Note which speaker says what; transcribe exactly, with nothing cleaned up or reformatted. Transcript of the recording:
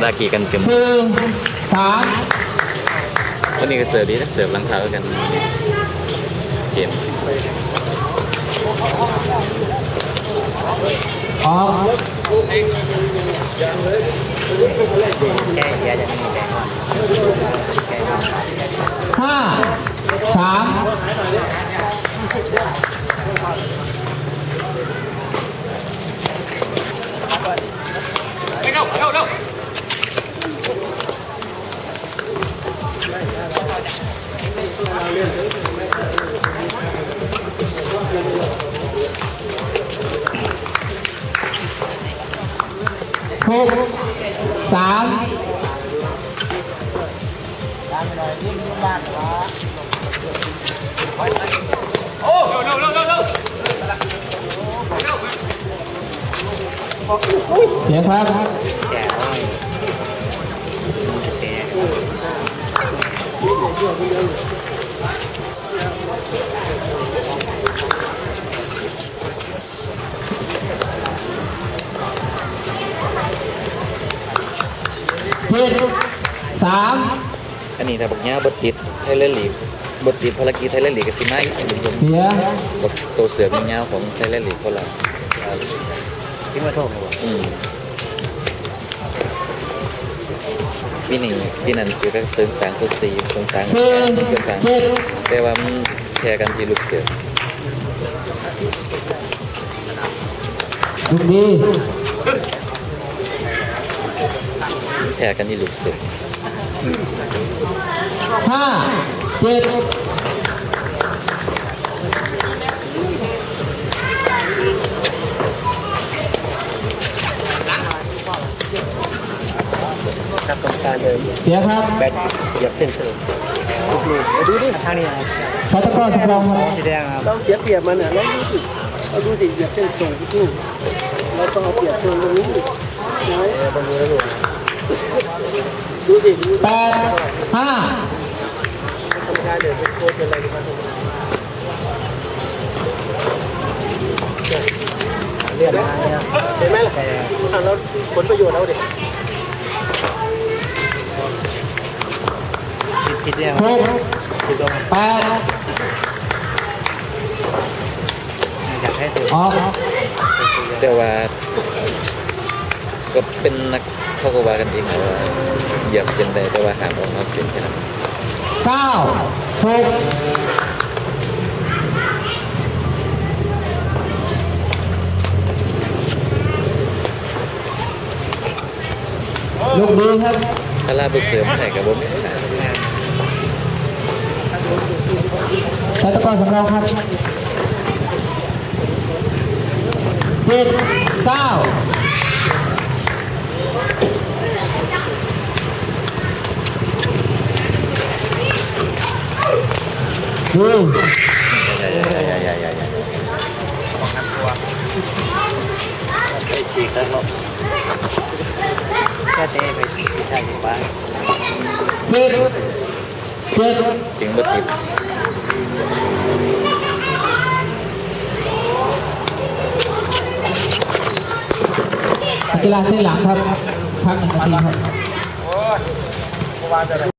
Speaker 1: ดากีกันเต็ม
Speaker 2: สี่สาม
Speaker 1: วันนี้ก็เสิร์ฟดีนะเสิร์ฟหลังเท้ากันเกม
Speaker 2: ออก
Speaker 3: แก้เยอะจะมีแก้ก่อน
Speaker 2: ห้าสาม
Speaker 4: ไปเร็วเร็วเร็ว
Speaker 2: หกสาม
Speaker 4: โอ้เร็วเร็วเร็วเร็ว
Speaker 2: เสียครับ
Speaker 3: แก้อ้อยแก้
Speaker 2: เจ็ดสาม
Speaker 1: อันนี้ถ้าบอกเนี้ยบทติดไทยแลนด์ลีกบทติดภารกิจไทยแลนด์ลีกกับซีไนท์อันนี้ผม
Speaker 2: เสีย
Speaker 1: บทตัวเสือมีเงาของไทยแลนด์ลีกคนละ
Speaker 3: ที่มาโทษเลยวะ
Speaker 1: อืมพี่หนึ่งพี่นันคือก็เติมสางตัวสีเติมสาง
Speaker 2: สี่
Speaker 1: เติมสาง
Speaker 2: เจ็ด
Speaker 1: แต่ว่ามันแพ้กันที่ลูกเสือ
Speaker 2: ลูกดี
Speaker 1: แพ้กันที่ลูกเสือ
Speaker 2: ห้าเจ็ด
Speaker 3: ตัดตรงกลางเลย
Speaker 2: เสียครับ
Speaker 3: แบตเหยียบเส้นเสริมลูกลูกดูดิทางนี้นะ
Speaker 2: ชาตะกร้อสำรองครับ
Speaker 3: สีแดงครับ
Speaker 5: เราเสียเปรียบมันอ่ะเราดูสิเราดูสิเหยียบเส้นตรงที่ตู้เราต้องเอาเปรียบตรงตรงนี้ดิน้อย
Speaker 3: ต้องดูแล้วดู
Speaker 5: ดูสิดู
Speaker 2: แปดห้า
Speaker 5: ทำการเดี๋ยวเป็นโค้ชเป็นอะไรกันมา
Speaker 3: เรียบร้อยแล้ว
Speaker 5: เห็นไหมล่ะอ่ะเราผลประโยชน์เราดิ
Speaker 3: คิดคิดเนี่ย
Speaker 2: หก
Speaker 3: คิดตรง
Speaker 2: แปด
Speaker 3: อยากให้ตัว
Speaker 2: ออก
Speaker 1: แต่ว่าก็เป็นนักเขาก็ว่ากันเองนะว่าเหยียบเส้นได้แต่ว่าหามออกนอกเส้นแค่นั้น
Speaker 2: เก้าหกลูกดีครับ
Speaker 1: ถ้าลาบุกเสือมาไหนกับผมไม่ได้
Speaker 2: ชาตะกร้อสำรองครับเจ็ดเก้าดู
Speaker 1: ใหญ่ใหญ่ใหญ่ใหญ่ใหญ่ใหญ่
Speaker 3: ไปฉีกแล้วเนาะแค่เตะไปฉีกใช่ไหมบ้าง
Speaker 2: สิบเจ็ด
Speaker 1: จริงบทติด
Speaker 2: กีฬาเส้นหลังครับพักหนึ่งนาทีครับ